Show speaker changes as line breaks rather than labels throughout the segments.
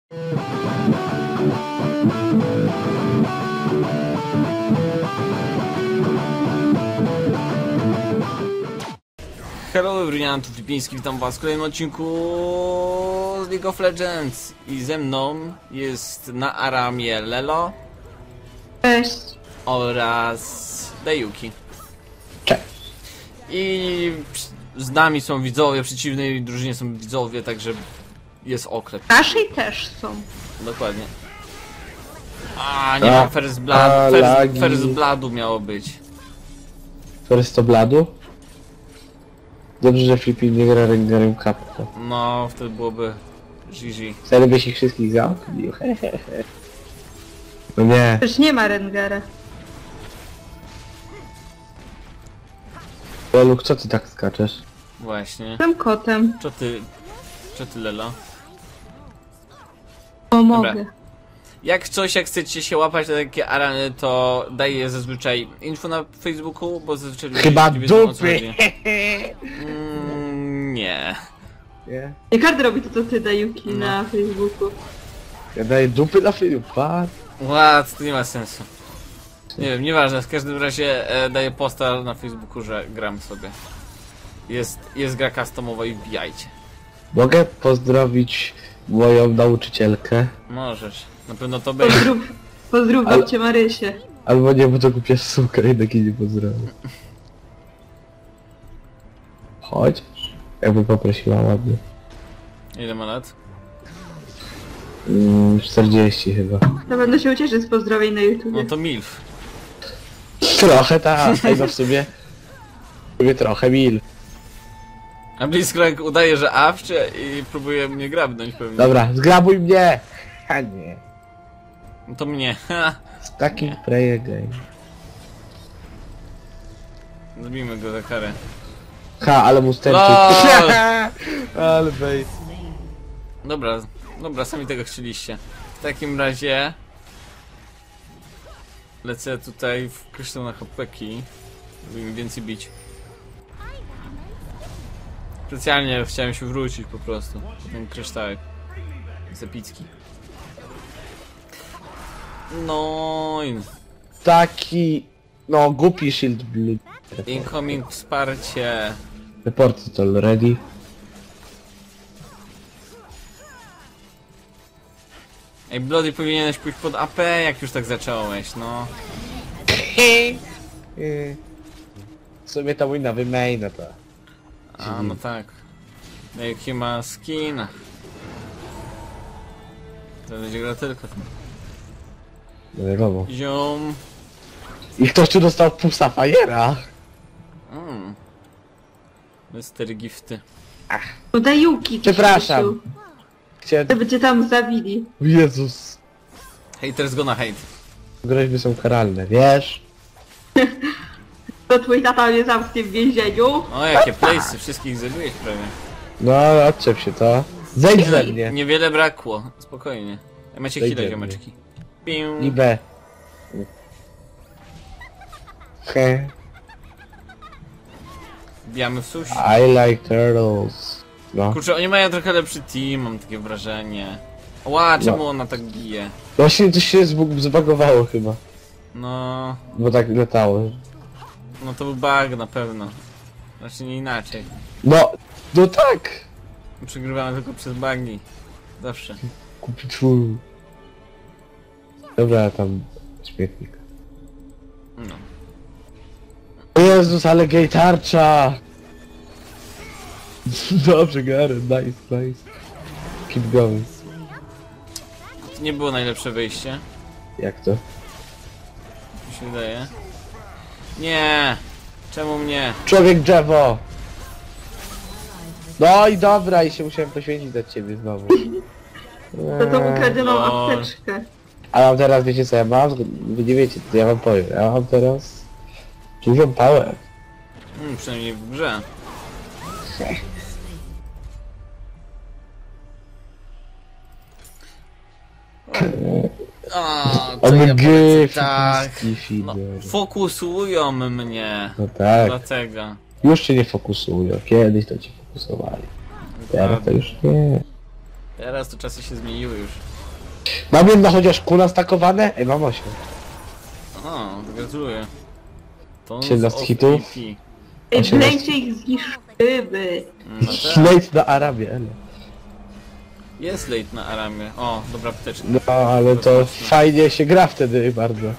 Hello everyone, tu Flipiński, witam was w kolejnym odcinku z League of Legends. I ze mną jest na Aramie Lelo.
Cześć.
Oraz Dayuki.
Cześć.
I z nami są widzowie, w przeciwnej drużynie są widzowie, także jest okrep.
Naszej też są.
Dokładnie. A nie ma First Blood, First Bloodu miało być.
First to Bladu? Dobrze, że Flippy nie gra Rengarem Kappa.
No, wtedy byłoby GG.
Wtedy byś ich wszystkich zamknął. No nie.
Przecież nie ma Rengara.
Loluk, co ty tak skaczesz?
Właśnie.
Jestem kotem.
Co ty Lelo?
Pomogę.
Dobra. Jak chcecie się łapać na takie arany, to daję zazwyczaj info na Facebooku, bo zazwyczaj ludzie
Chyba
nie wiedzą, o co
dupy!
chodzi. Nie.
Nie?
Nie każdy robi to, co ty, Dayuki, na Facebooku.
Ja daję dupy na Flipa.
Ład, to nie ma sensu. Nie wiem, nieważne, w każdym razie daję posta na Facebooku, że gram sobie. Jest gra customowa i wbijajcie.
Mogę pozdrowić moją nauczycielkę?
Możesz, na pewno to będzie.
Pozdrów babcię Marysię.
Albo nie, bo to głupia suka, jednak jej nie pozdrowię. Chodź. Jakby poprosiła ładnie.
Ile ma lat?
40 chyba.
To będę się ucieszyć z pozdrowień na YouTube.
No to MILF.
Trochę tak, no w sumie trochę mil.
A Blitzcrank udaje, że awcze i próbuje mnie grabnąć pewnie.
Dobra, zgrabuj mnie! A nie.
No to mnie.
Z takim play again.
Zabijmy go za karę.
Ha, ale mu sterczy.
LOL!
Ale bait.
Dobra, sami tego chcieliście. W takim razie lecę tutaj w kryształne hopeki, żeby mi więcej bić. Specjalnie chciałem się wrócić po prostu. Ten kryształek. Jest epicki. No i...
Taki... No, głupi shield blue.
Incoming wsparcie.
Report to already.
Ej, Bloody, powinieneś pójść pod AP, jak już tak zacząłeś, no.
W sumie to mój nowy main, no to...
A, no tak. No jaki ma skin. To będzie gra tylko tym.
No wiadomo.
Ziom.
I ktoś tu dostał pół Sapphira.
Mystery gifty.
No Dayuki.
Przepraszam. Chciałem...
Żeby cię tam zabili.
Jezus.
Haters gonna hate.
Groźby są karalne, wiesz?
To twój tata mnie zamknie w więzieniu.
O, jakie playsy, wszystkich zabiłeś prawie.
No, odczep się to. Zejdź ze mnie.
Niewiele brakło, spokojnie. Macie
Zejdź
chwilę,
ze
ziomeczki. Piu.
I B. He.
Wbijamy w sushi.
I like turtles. No.
Kurczę, oni mają trochę lepszy team, mam takie wrażenie. Ła, czemu ona tak bije?
Właśnie coś się zbagowało chyba.
No...
Bo tak latało.
No to był bug na pewno. Znaczy nie inaczej.
No, no tak!
Przegrywamy tylko przez bugi. Zawsze.
Kupi twój. Dobra, tam śmietnik.
No.
O Jezus, ale gej tarcza! Dobrze, Garen, nice. Keep going.
To nie było najlepsze wyjście.
Jak to?
Mi się wydaje. Nie! Czemu mnie?
Człowiek drzewo! No i dobra, i się musiałem poświęcić dla ciebie znowu.
To tą ukradzioną
Lol.
apteczkę.
A mam teraz, wiecie co ja mam? Wy nie wiecie, to ja wam powiem. Ja mam teraz... dużą power.
Przynajmniej w grze. O, co ja
OMG,
polecę, tak.
Flipiński
No,
feeder.
fokusują mnie.
No tak.
Dlatego.
Już cię nie fokusują. Kiedyś to cię fokusowali. Teraz to już nie.
Teraz to czasy się zmieniły już.
Mam jedno chociaż kuna stakowane? Ej, mam 8.
O, gratuluję. To
17 hitów.
Ej,
18.
wlejcie ich zniszczymy.
No tak.
Śledź na Arabię, ele.
Jest late na Aramie. O, dobra apteczka.
No, ale to fajnie się gra wtedy bardzo.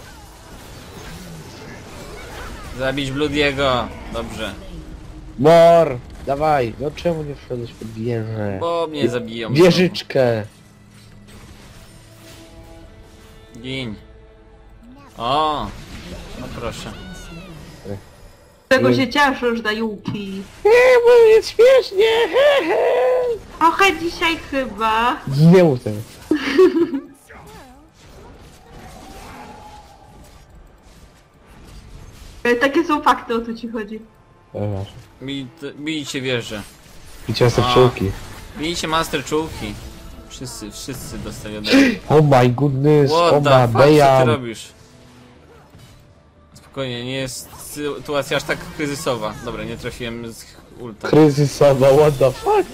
Zabić Bloody'ego. Dobrze.
Mor! Dawaj! No czemu nie wszedłeś pod wieżę?
Bo mnie zabiją.
Wieżyczkę!
Gin. O! No proszę.
Z czego się cieszysz, Dajuki?
Nie, bo jest śmiesznie! He, he.
Trochę dzisiaj chyba.
Nie mów tego.
Takie są fakty, o co ci chodzi.
Bijcie wieżę.
I ciasto
A.
pszczółki.
Bijcie master czułki. Wszyscy dostali ode mnie.
Oh my goodness,
What
oh
the
my
fuck, co ty
damn.
robisz? Spokojnie, nie jest sytuacja aż tak kryzysowa. Dobra, nie trafiłem z ulta.
Kryzysowa, what the fuck?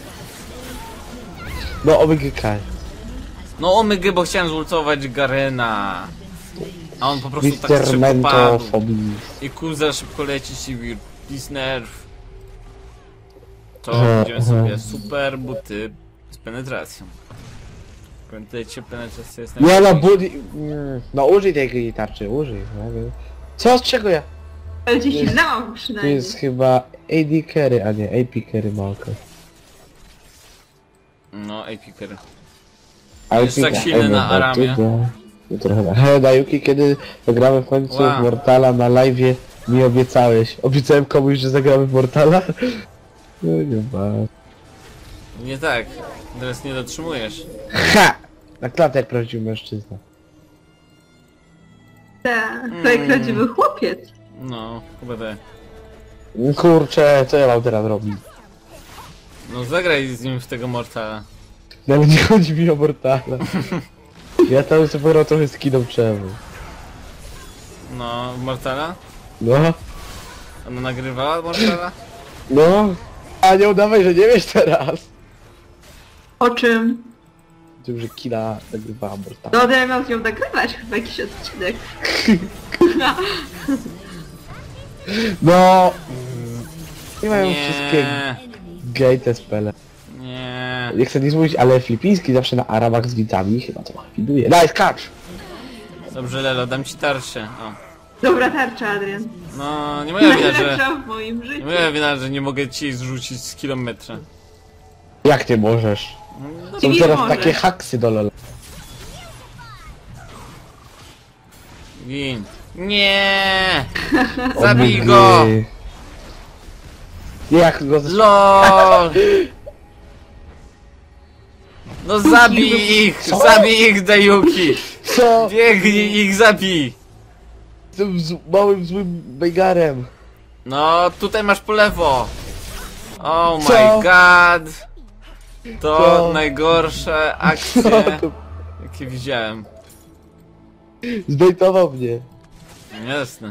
No OBGK.
No omygy, bo chciałem zultować Garena. A on po prostu tak
Mr.
szybko
Mento
padł.
Fobii.
I Kuza szybko leci ci wir. Please nerf. To
Aha,
będziemy
aha.
sobie super buty z penetracją. Pamiętajcie, penetracja jest
Nie no,
najważniejsza.
budzi... No użyj tej tarczy, użyj. No, nie. Co, z czego ja?
Ale cię
Jest-
silnęłam
Tu
przynajmniej.
jest chyba AD carry, a nie AP carry małka.
No, Epiker.
Ale
Jest tak silny na Aramie.
No trochę tak. He, Dajuki, kiedy zagramy w końcu
Wow.
w Mortala na live'ie, mi obiecałeś. Obiecałem komuś, że zagramy w Mortala? No nie ma.
Nie tak. Teraz nie dotrzymujesz.
Ha! Na klatę jak prawdziwy mężczyzna.
Tak, to jak prawdziwy chłopiec.
No, chyba tak.
Kurczę, co ja mam teraz robić?
No zagraj z nim w tego Mortala.
No ale nie chodzi mi o Mortala. Ja tam sobie pograł trochę z kiną czemu.
No, w Mortala?
No,
Ona nagrywała Mortala?
no. A nie udawaj, że nie wiesz teraz.
O czym?
Tym, że kina nagrywała Mortala.
No, ja miał z nią nagrywać chyba jakiś odcinek.
No. Nie mają wszystkie
Nie,
gay te spele.
nie.
Nie chcę nic mówić, ale filipiński zawsze na Arabach z widzami chyba trochę widuje. Nice catch!
Dobrze, Lelo, dam ci tarczę. O.
Dobra tarcza, Adrian.
No, nie moja wina, że...
Najlepsza w moim
Nie
życiu.
moja wina, że nie mogę ci zrzucić z kilometra.
Jak ty możesz?
No,
Są
Nie
teraz
może.
takie haksy do LoL.
gin. Nie! Zabij go!
Jak go
LOL! No zabij ich!
Co?
Zabij ich, Dajuki!
Co?
Biegnij ich, zabij!
Z tym małym złym bejgarem.
No, tutaj masz po lewo! Oh my
Co?
god! To
Co?
najgorsze
Co
akcje,
to?
jakie widziałem.
Zbejtował mnie.
Jasne.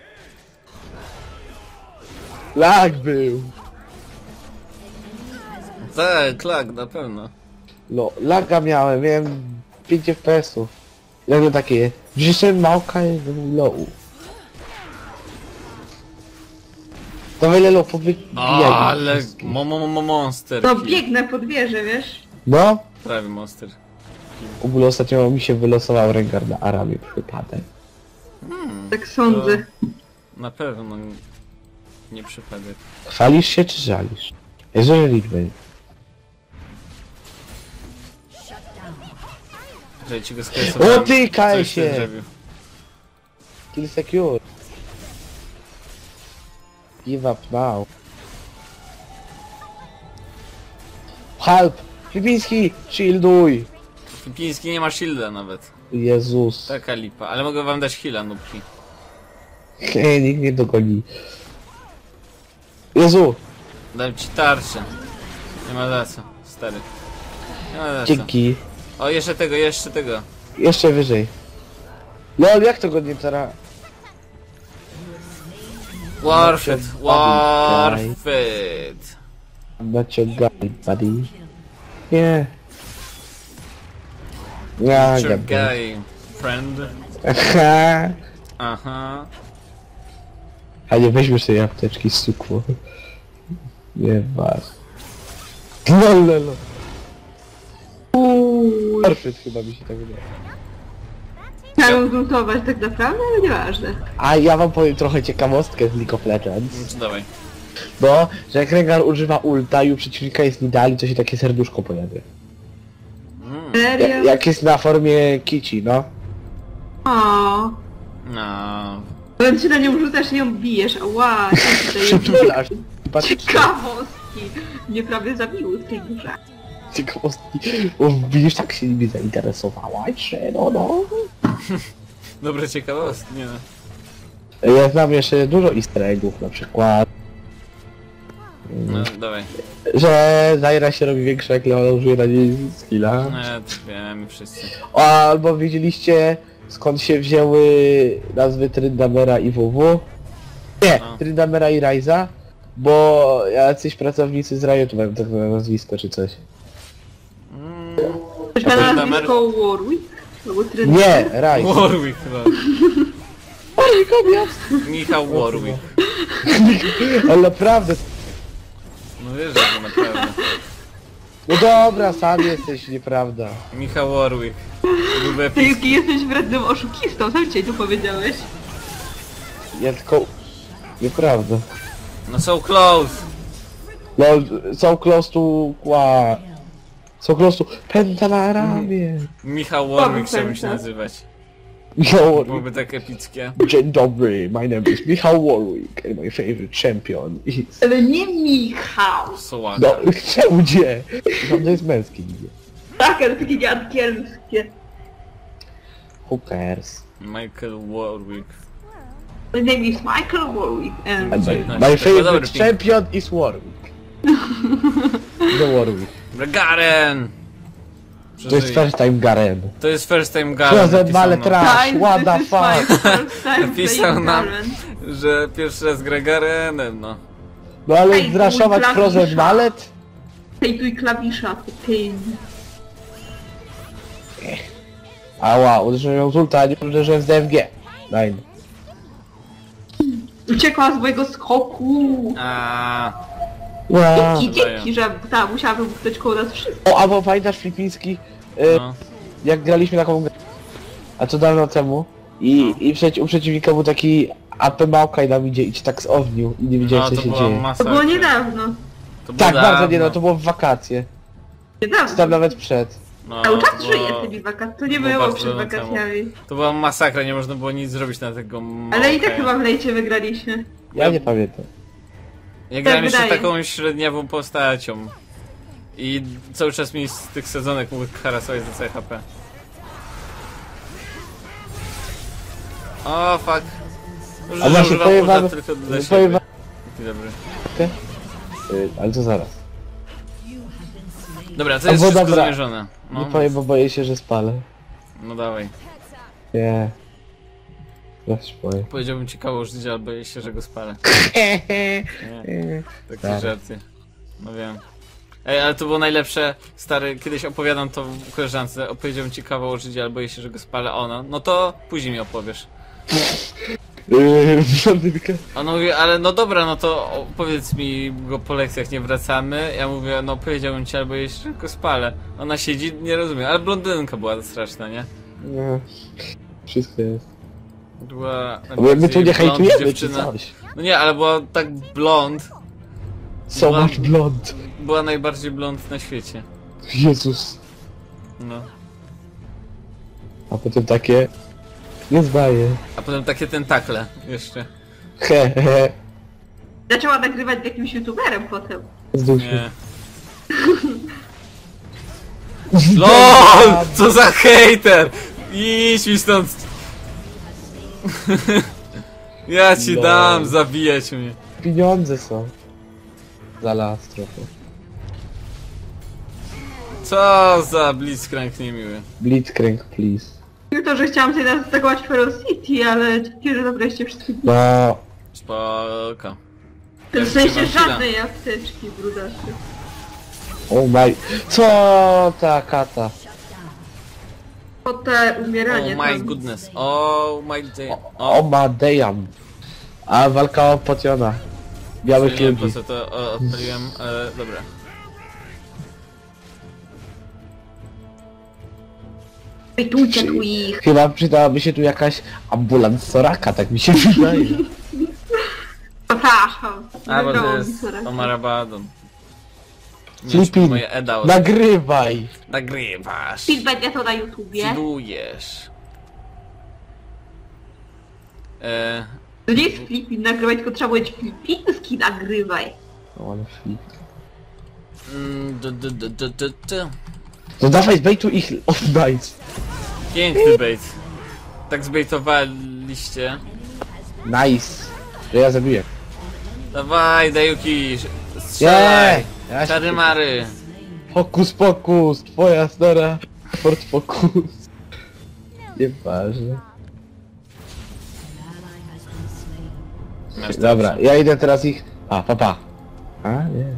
Lag był.
Tak, klak, na pewno.
No, laga miałem 5 FPS-ów. Ja miałem takie, że małka jest low. Dawaj Lelo, powybijaj.
Ale monster.
No
kill.
biegnę pod wieżę, wiesz?
No,
Prawie monster.
w ogóle ostatnio mi się wylosował Rengar na Aramie przypadek.
Tak sądzę.
Na pewno nie przypadek.
Chwalisz się czy żalisz? Jeżeli liczby.
Że ci go skresowałem.
O ty, kaj
Coś ty
się!
zrobił.
Kill secure. Give up now. Help! Filipiński! Shielduj!
Filipiński nie ma shielda nawet.
Jezus.
Taka lipa. Ale mogę wam dać heala, nubki.
Hej, nikt nie dogoni. Jezu!
Dam ci tarczę. Nie ma za co, stary. Nie ma za co.
Dzięki.
O, jeszcze tego, jeszcze tego.
Jeszcze wyżej. No jak to go nie teraz?
Worth it,
Buddy,
worth it.
I'm not your guy, buddy. Nie. Ja
Your
gadam.
guy, friend.
Aha.
Aha.
A nie weźmiesz tej apteczki z cukru. Nie masz. Lololo. Perfekt chyba mi się tak wydaje.
Chciałem zlutować tak naprawdę, ale nieważne.
A ja wam powiem trochę ciekawostkę z League of Legends.
No to dawaj.
Bo, że jak Rengar używa ulta i u przeciwnika jest nidali, to się takie serduszko pojawia.
Serio?
Jak jest na formie kici, no.
O.
No.
Powiem ci na nią rzucasz i ją bijesz, ała,
Przytulasz.
ciekawostki. Mnie prawie zabiły w tej grze.
Ciekawostki. O, widzisz, tak się nimi zainteresowałaś, że no.
Dobre ciekawostki, nie no.
Ja znam jeszcze dużo easter eggów, na przykład,
No, dawaj.
że Zaira się robi większa, jak Leona użyje na niej skilla.
No, to wiemy wszyscy.
O, albo widzieliście, skąd się wzięły nazwy Tryndamera i WW? Nie,
No.
Tryndamera i Ryza, bo jacyś pracownicy z Riotu mają tak na nazwisko czy coś.
Ktoś ma
Tryndamere-
nazwisko Warwick? Albo Tryndamere?
Nie, Ryze.
Warwick chyba. Michał Warwick.
Ale naprawdę,
No wiesz, że to naprawdę.
no dobra, sam jesteś, nieprawda.
Michał Warwick. Byłby
Ty
epicki.
Yuki, jesteś wrednym oszukistą, sam dzisiaj tu powiedziałeś.
Ja tylko... Nieprawda.
No so close.
No, so close to... So close to... Pęta na ramię.
Michał Warwick
Dobra,
chciałbym się
tak.
nazywać.
Michał
Byłoby tak epickie.
Dzień dobry, my name is Michał Warwick and my favorite champion is...
Ale nie Michał.
Sołaka.
No, czemu nie? No, to jest męski imię.
Tak, ale takie nieangielskie.
Who cares?
Michael Warwick.
My name is Michael Warwick and...
And
No,
my
to dobry
favorite
ping.
champion is Warwick. The Warwick.
Garen!
To jest first time Garen.
To jest first time
Co
Garen.
za
napisał
male
nam,
trash,
Guys,
what the
this is my
fuck.
first time
Napisał
playing
nam.
Garen.
Że pierwszy raz gra Garenem, no.
No ale
Ej,
zraszować
mój
Frozen
klawisza.
Mallet?
Hejtuj klawisza, to pain.
Ała, uderzyłem ją z ulta, a nie uderzyłem z DMG. Nein.
Uciekła z mojego skoku.
Wow.
Dzięki, że ta, musiałabym być koło nas wszystkich.
O, albo pamiętasz Flipiński,
No.
jak graliśmy taką grę, a co dawno temu i u przeciwnika był taki AP Małka i nam idzie i cię tak zownił i nie wiedziałem
No
co
to
się
była
dzieje.
To
masakra.
było niedawno.
To było
Tak, bardzo nie, no
dawno.
to było w wakacje. Tam
Niedawno.
nawet przed.
No,
Cały czas
to
żyje
było-
tymi wakacjami. To nie
było
było
bardzo
przed
dawno
wakacjami.
To była masakra, nie można było nic zrobić na tego
Ale i tak
Małka.
chyba w lejcie wygraliśmy.
Ja nie pamiętam.
Ja grałem jeszcze
wydaje.
taką średniawą postacią. I cały czas mi z tych sezonek mógł harasować za CHP. O fuck. Że
A właśnie
używam
powiem
ulta
wam,
tylko dla
powiem
siebie.
wam,
Taki dobry.
ale to zaraz.
Dobra, to
A
jest
bo
wszystko
dobra.
zamierzone.
Nie
No,
powiem, bo boję się, że spalę.
no dawaj.
Nie. Ja się boję.
Powiedziałbym ci kawał życia, ale boję się, że go spalę. Nie, takie
Tak.
żarty. No wiem. Ej, ale to było najlepsze, stary, kiedyś opowiadam to koleżance, opowiedziałem ci kawał życia, ale boję się, że go spalę, ona. No to później mi opowiesz.
Blondynkę.
Ona mówi, ale no dobra, no to opowiedz mi go po lekcjach, nie wracamy. Ja mówię, no powiedziałbym ci, ale boję się, że go spalę. Ona siedzi, nie rozumie, ale blondynka była straszna, nie?
Nie. Wszystko jest.
Była
Bo my tu
najbardziej
nie
blond
hejtujemy czy
dziewczyna.
coś.
No nie, ale była tak blond,
So
Była-
much blond.
była najbardziej blond na świecie.
Jezus.
No.
A potem takie... Nie zdaję.
A potem takie tentakle jeszcze.
He, he.
Zaczęła nagrywać z jakimś youtuberem potem.
Zdął się.
Nie. LOL! Co za hejter! Idź mi stąd! Ja ci
Lol.
dam, zabijać mnie.
Pieniądze są. Za las trochę.
Co za blitzcrank niemiły.
Blitzcrank, please.
Nie to, że chciałam sobie zaatakować Ferocity, ale dzięki, że zabraliście wszystkie...
No...
Spoko.
W sensie
mam chwilę.
żadnej apteczki, brudacy.
Oh my... Co ta kata?
O te umieranie
Oh my
tam.
goodness. Oh my day.
O ma damn. A walka o pociona. Białych
Nie wiem po
ludzi.
co to odpaliłem, ale dobra.
Wytujcie tu ich.
Chyba przydałaby się tu jakaś ambulans Soraka, tak mi się wydaje.
Przepraszam.
A, bo to
Wydało mi
jest
się raz.
Omar Abaddon. Nie
Filipin,
moje Eda
nagrywaj!
nagrywasz.
Film będzie to na YouTubie.
Widujesz.
To nie jest Filipin nagrywaj, tylko trzeba powiedzieć filipiński nagrywaj.
O, ale flip.
d.
No dawaj, zbejtu ich oddajdź.
Piękny bait. Tak zbejtowaliście.
Nice. Że ja zabiję.
Dawaj, Dajuki, strzelaj.
Ja się-
Czary mary.
Hokus pokus, twoja stara Ford Focus. Nieważne. Dobra, ja idę teraz ich... A, papa. A, nie.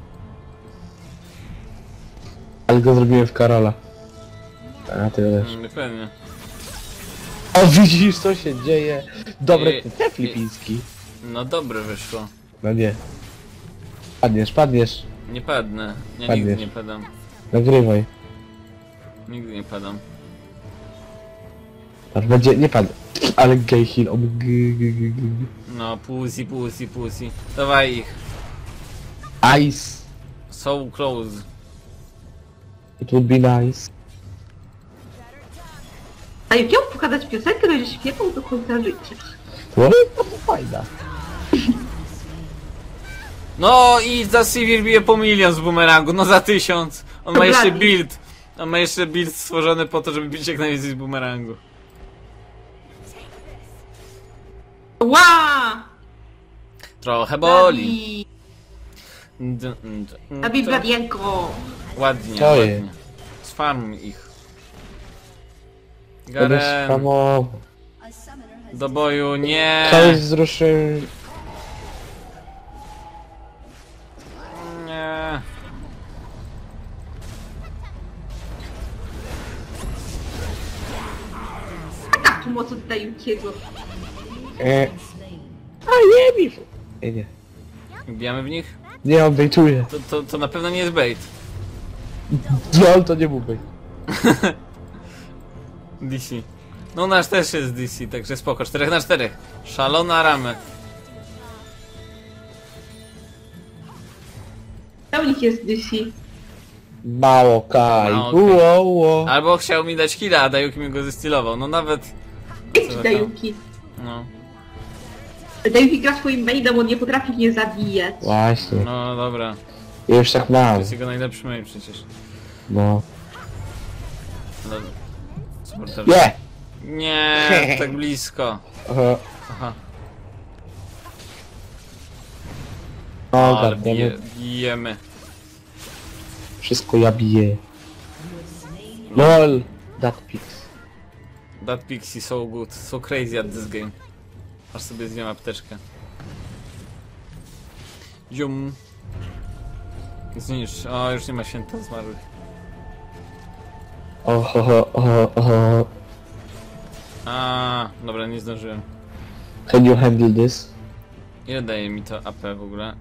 Ale go zrobiłem w Karola. A, ty też.
Pewnie.
O, widzisz co się dzieje? Dobre,
I-
te filipiński.
No dobre wyszło.
No nie. Padniesz, padniesz.
Nie padnę. Ja
Padniesz.
nigdy nie padam.
Nagrywaj.
Nigdy nie padam.
Aż będzie, nie padł. Ale gay heal,
No, pussy. Dawaj ich.
Ice.
So close.
It would be nice.
A jak miał pokazać piosenkę, będzie śpiewał do końca życia.
No, to fajna.
No i za Sivir bije po milion z bumerangu, no za 1000. On ma jeszcze build. On ma jeszcze build stworzony po to, żeby bić jak najwięcej z bumerangu.
Ła!
Trochę boli.
Zabij Bladienko.
Ładnie,
To
ładnie.
jest.
Sfarm ich.
To jest
Garen,
samo.
do boju, nie.
Coś wzruszył.
Nie.
Taka tu moc od Dajukiego.
A nie mi. Nie.
Bijamy w nich?
Nie, on bejtuje.
To na pewno nie jest bait.
No, to nie był bejt.
DC. No nasz też jest DC, także spoko. 4 na 4. Szalona ramy.
To u nich jest DC.
Mało kaj.
Mało kaj.
Uo.
Albo chciał mi dać killa, a Dajuki mi go zestylował. No nawet...
Jaki
za
Dajuki?
No,
Dajuki gra swoim mainem, on nie potrafi mnie zabijać.
Właśnie.
no dobra.
Ja już tak
To
mam.
jest jego najlepszy main przecież.
No.
No. Super,
Nie!
Nie, tak blisko.
Aha.
Aha.
No,
Ale
gadamy.
bijemy.
Wszystko ja biję. LOL. That pix.
That pixie so good, so crazy at this game. Aż sobie zjem apteczkę. Zium. Zniszcz. O, już nie ma święta zmarłych.
Oho.
A, dobra, nie zdążyłem.
Can you handle this?
Ile daje mi to AP w ogóle?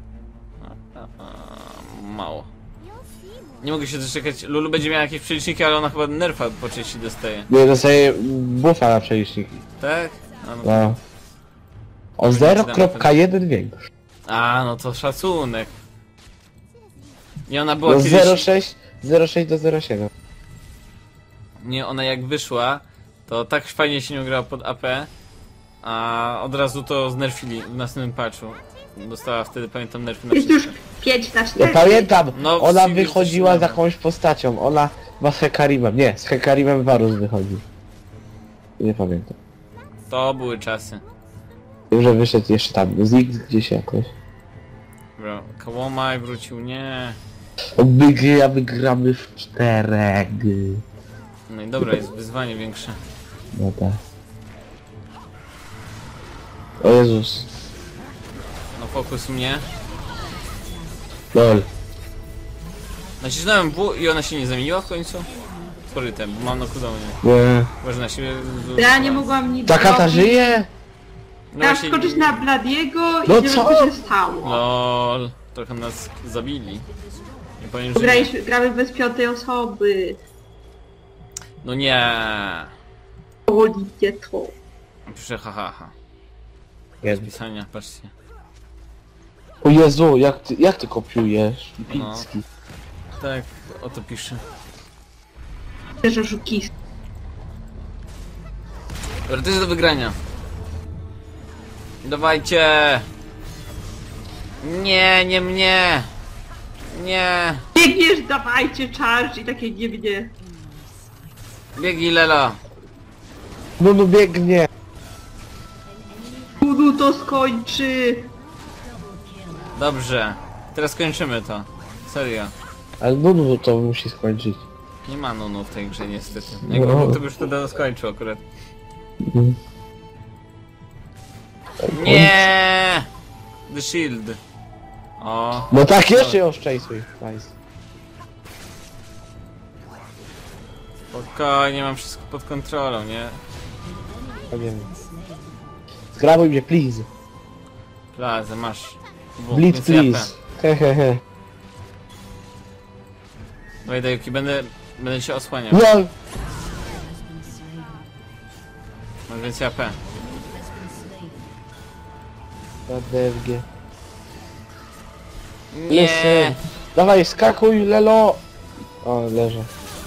Mało. Nie mogę się doczekać. Lulu będzie miała jakieś przeliczniki, ale ona chyba nerfa po części dostaje.
Nie, dostaję buffa na przeliczniki.
Tak? A, no,
No. O
Będzie
0.1 większy.
a, no to szacunek. I ona była
No
kiedyś...
0.6 do 0.7.
Nie, ona jak wyszła, to tak fajnie się nie grała pod AP, a od razu to znerfili w następnym patchu. Dostała wtedy, pamiętam, nerfy na
Jest już
wszystko.
5 na
Ja
4.
pamiętam,
No, w
ona
Civil
wychodziła
też
z
nie
jakąś postacią. Ona ma z Hekarimem. Nie, z Hekarimem Varus wychodzi. Nie pamiętam.
To były czasy.
Wiem, że wyszedł jeszcze tam, z X gdzieś jakoś.
Dobra, Kałomaj wrócił, nie.
My gramy w 4.
No i dobra, jest wyzwanie większe.
No tak. O Jezus.
No fokus mnie.
LOL.
Nacisnąłem W i ona się nie zamieniła w końcu? spory temp, mam na cooldownie.
Nie.
Można się...
Ja nie mogłam nic
Ta kata
zrobić.
żyje?
No
Chciałam
właśnie...
skoczyć na Bladiego i
No
nie wiem
co?
co się stało.
LOL, trochę nas zabili. Nie powiem, że nie.
Gramy bez piątej osoby.
No nie.
Wolicie to.
Piszę hahaha.
Jest.
Pisania, patrzcie.
O Jezu, jak ty kopiujesz? Picki.
Tak, oto piszę.
Też oszukist.
Dobra, to jest do wygrania. Dawajcie! Nie, nie mnie! Nie!
Biegniesz, dawajcie charge i takie nie mnie.
Biegnij, Lela!
No biegnie.
Kudu to skończy.
Dobrze. Teraz kończymy to. Serio.
Ale no to musi skończyć.
Nie ma nunu w tej grze niestety. Jakby był, to by już to skończył akurat.
Mhm.
Nie! The Shield. O.
No tak, jeszcze ją szczęsuj. Nice.
Spokojnie, mam wszystko pod kontrolą, nie?
Ja wiem. Zgrabuj mnie, please.
Plazę, masz.
Blitz,
więcej AP.
please. Hehehe.
Dawaj, Dajuki, będę się osłaniał.
LOL!
Masz więcej AP.
Na DFG.
Nie!
Listen. Dawaj, skakuj, Lelo! O, leżę.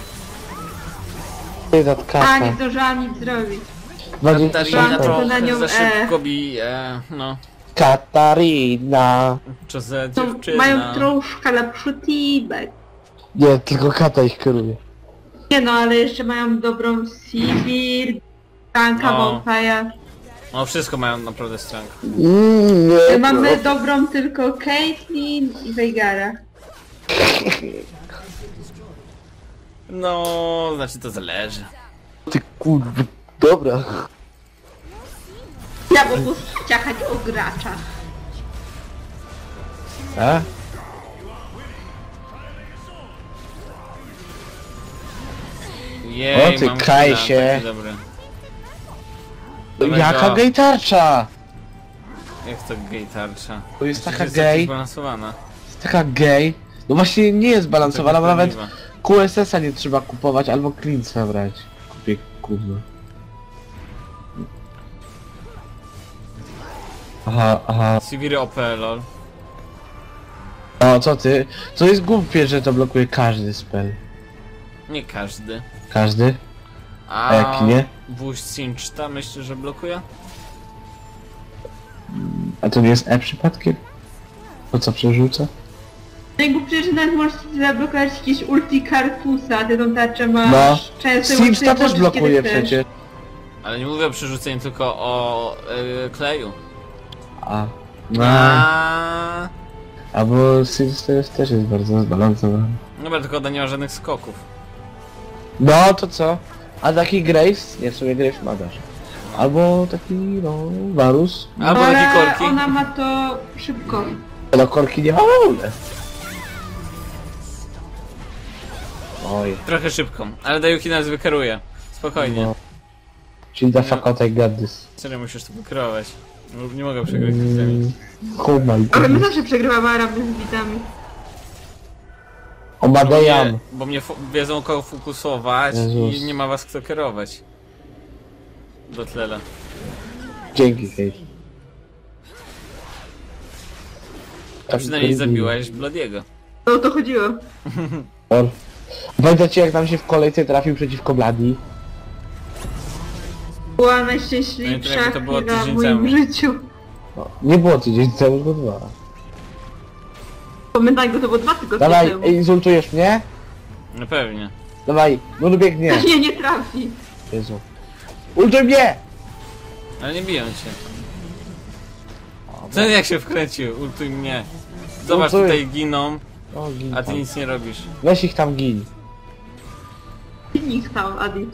Ty, that
A,
kata.
nie zdążyłam nic zrobić.
20
Katarina
Szansa.
sekund.
na nią
trochę za szybko bije, no.
Katarina.
Co za
No,
dziewczyna.
mają troszkę lepszy teamek.
Nie, tylko kata ich kieruje.
Nie no, ale jeszcze mają dobrą Sivir, Tanka,
No.
Bonfire.
No wszystko mają naprawdę strong.
Nie,
Mamy dobrą tylko Caitlyn i Veigara.
No, znaczy to zależy.
Ty kurwa. Dobra.
Ja mogę ciachać o graczach.
A?
Jej,
O ty
mam
Kajsie.
killa, taki dobry. Dawaj
Jaka
go.
gej tarcza?
Jak to gej tarcza?
To jest
Przecież
taka
jest
gej.
jakaś balansowana.
Jest taka gej. No właśnie nie jest balansowana, bo nawet
Sprawiedliwa.
QSS-a nie trzeba kupować, albo Cleansa brać. Kupię gówno. Aha.
Sivir OP, lol.
O, co ty? To jest głupie, że to blokuje każdy spell.
Nie każdy.
Każdy? A jaki nie?
Wóź Sinchta myślę, że blokuje?
A to nie jest E przypadkiem? To co przerzuca?
Najgłupsze, że nawet możesz zablokować jakieś ulti Kartusa, a ty tą tarczę masz
No.
często
Simsta też blokuje przecież.
Ale nie mówię o przerzuceniu, tylko o kleju.
A. No.
A.
Albo Sims też jest bardzo zbalansowany.
Dobra, tylko ona nie ma żadnych skoków.
No to co? A taki Graves? Nie, w sumie Graves ma dasz. Albo taki, no, Varus.
Albo taki
Ale
korki.
ona ma to szybko.
No korki nie ma w ogóle. Oj.
Trochę szybko, ale Dajuki nas wykeruje. Spokojnie.
No. Czyli the fuck out I got this.
Serio musisz to wykierować. No, nie mogę przegrać z tymi.
Oh my
Ale my
god.
zawsze przegrywamy Araby z bitami.
Omadejam.
Bo mnie wiedzą kogo fokusować
Jezus.
i nie ma was kto kierować. Do tlela.
Dzięki, Kate.
A przynajmniej zabiłaś Bladiego.
No o to chodziło.
Or. Pamiętacie jak nam się w kolejce trafił przeciwko Bladi?
Była najszczęśliwsza
Pamiętam, jak to było
chwila w
tydzień
moim
temu.
życiu.
No, nie było tydzień temu, tylko 2.
Pamiętaj go, to było 2 tygodnie
Dawaj,
temu.
insultujesz mnie?
No pewnie.
Dawaj, no biegnie.
Nie, nie trafi.
Jezu. Ultuj mnie!
Ale nie biją cię. Ten jak się wkręcił, ultuj mnie. Zobacz,
Ultuj.
tutaj giną,
O, gin
a ty
tam.
nic nie robisz.
Weź ich tam gin.
Nikt tam, Adi.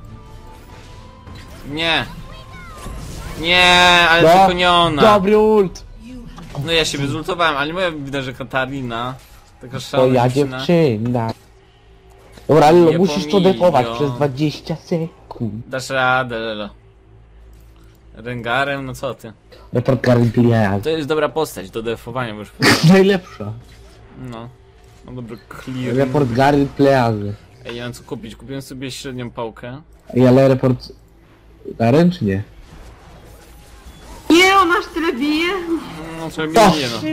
Nie! Nie, ale
No,
tylko nie ona.
Dobry ult!
No ja się wyzultowałem, ale nie mówię, widać, że Katarina. Taka
To
szalona
ja
dziewczyna.
dziewczyna. Dobra, ale
Nie
musisz to
pomijam.
defować przez 20 sekund.
Dasz radę, Lelo. Rengarem, no co ty?
Report Guardian.
To jest dobra postać do defowania, bo już
Najlepsza.
no. No dobry clear.
Report Guardian Pleasy.
Ej, nie mam co kupić. Kupiłem sobie średnią pałkę.
Ej, ale report... Garen czy nie?
Nie, on aż tyle bije.
No trzeba
To,
mnie, no.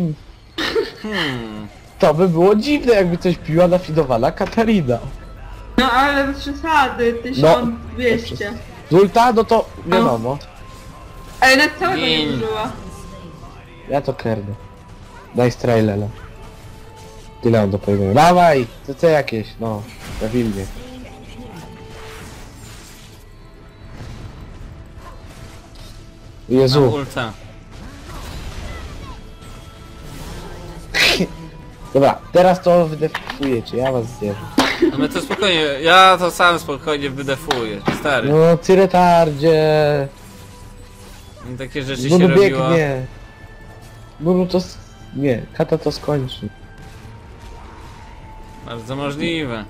to by było dziwne, jakby coś piła nafidowana Katarina.
No ale bez przesady, 1200.
Zulta, no to wiadomo.
Ale na całego nie
Gin.
użyła.
Ja to kernę. Daj strajlele. Tyle mam do powiedzenia. Dawaj! CC jakieś, no. Prawilnie.
Mam
Jezu.
ulta.
Dobra, teraz to wydefujecie, ja was zjeżdżę.
No my to spokojnie, ja to sam spokojnie wydefuję, stary.
No, ty retardzie.
Takie rzeczy się
Bulu
robiło.
biegnie. Bulu to... Nie, Kata to skończy.
Bardzo możliwe.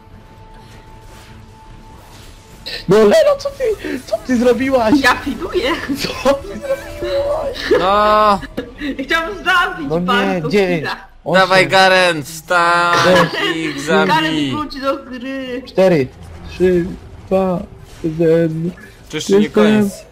No Lero, co ty zrobiłaś?
Ja fiduję.
Co ty zrobiłaś?
No,
Chciałam zabić
No nie,
bardzo
9.
dawaj Garen, wstań ich
Karen
zabij.
wróci do gry.
4, 3, 2, 1.
Czy jeszcze nie koniec?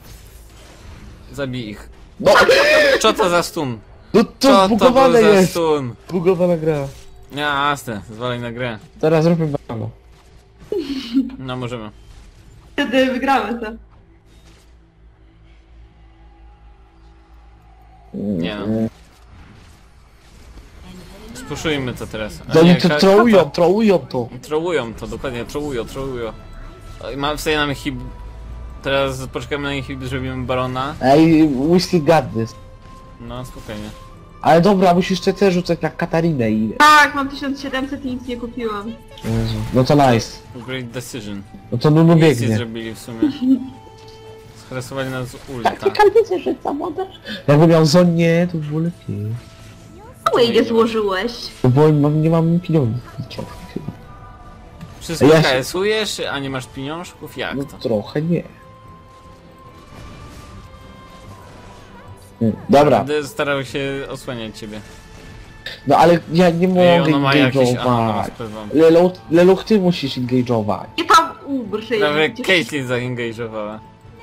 Zabij ich.
No,
Co to za stun?
no to
Co to
zbugowane
był za
jest.
stun?
Zbugowana gra.
Jasne, zwalaj na grę.
Teraz zróbmy bano.
No możemy.
Wtedy wygramy to.
Nie no. Spuszujmy to teraz. A
To
nie,
oni to trołują to.
Trołują to, dokładnie, trołują. Wstaje nam hib... Teraz poczekamy na ich, zrobimy barona.
Ej, we still got this.
No, spokojnie.
Ale dobra, musisz CC rzucać na Katarinę i...
Tak, mam 1700 i nic nie kupiłam.
Jezu. No to nice.
Great decision.
No to Nunu
Nic nie
biegnie.
zrobili w sumie. Stresowali nas z ulta.
wiecie, że sabotaż. Jakby miał Zonię, to by było lepiej.
Czemu jej nie złożyłeś?
No bo nie mam pieniędzy. Trochę chyba.
Wszystko
Ja się-
KS-ujesz, a nie masz pieniążków? Jak
No
to?
trochę nie. Dobra,
Będę starał się osłaniać ciebie.
no ale ja nie
Ej,
mogę
ono ma jakieś... Aha, no,
engage'ować.
spływam.
Leluch, ty musisz engage'ować.
Nie tam ubrzyj.
Prawie Caitlyn zaengage'owała.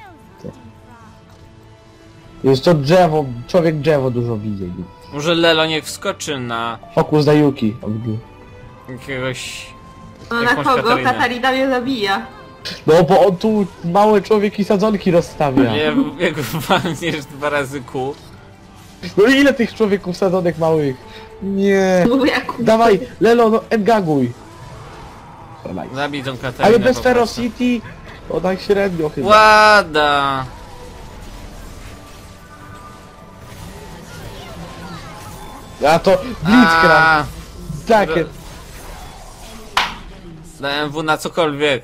Jest to drzewo, człowiek drzewo dużo widzi.
Może Lelo niech wskoczy na
Fokus na Yuki.
jakiegoś...
No na
jakąś
kogo?
Katarinę.
Katarina mnie zabija.
No bo on tu małe człowieki sadzonki rozstawia.
Nie, jak walniesz 2 razy kół.
No ile tych człowieków sadzonek małych? Nie.
Mówię jak
Dawaj, Lelo, no engaguj.
Zabij tą Katarinę.
Ale bez
po prostu.
Ferocity, o tak średnio chyba.
Łada!
A to Blitzcrank.
A,
Takie.
Dałem W na cokolwiek.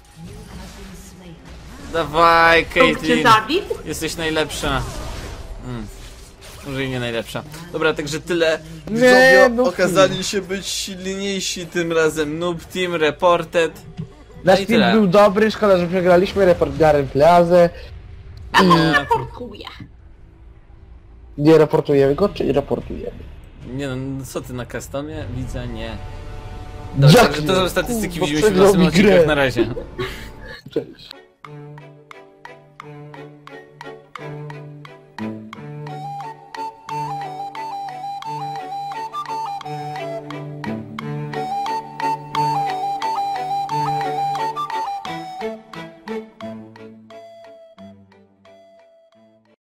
Dawaj,
Punkt cię
Caitlyn.
zabił?
Jesteś najlepsza. Może i nie najlepsza. Dobra, także tyle.
Nie,
Widzowie
no
okazali się być silniejsi tym razem. Noob Team Reported.
Nasz
i
team
tyle.
był dobry, szkoda, że przegraliśmy. Report Garen Pleasę.
Ja to
Nie.
raportuję.
Nie raportujemy go, czy raportujemy?
Nie no, co ty na customie? Widzę, nie. Dobra,
Jak
także to
nie?
są statystyki,
Kurwa,
widzimy się w
przegrał
następnym
mi grę.
odcinku. Na razie.
Cześć.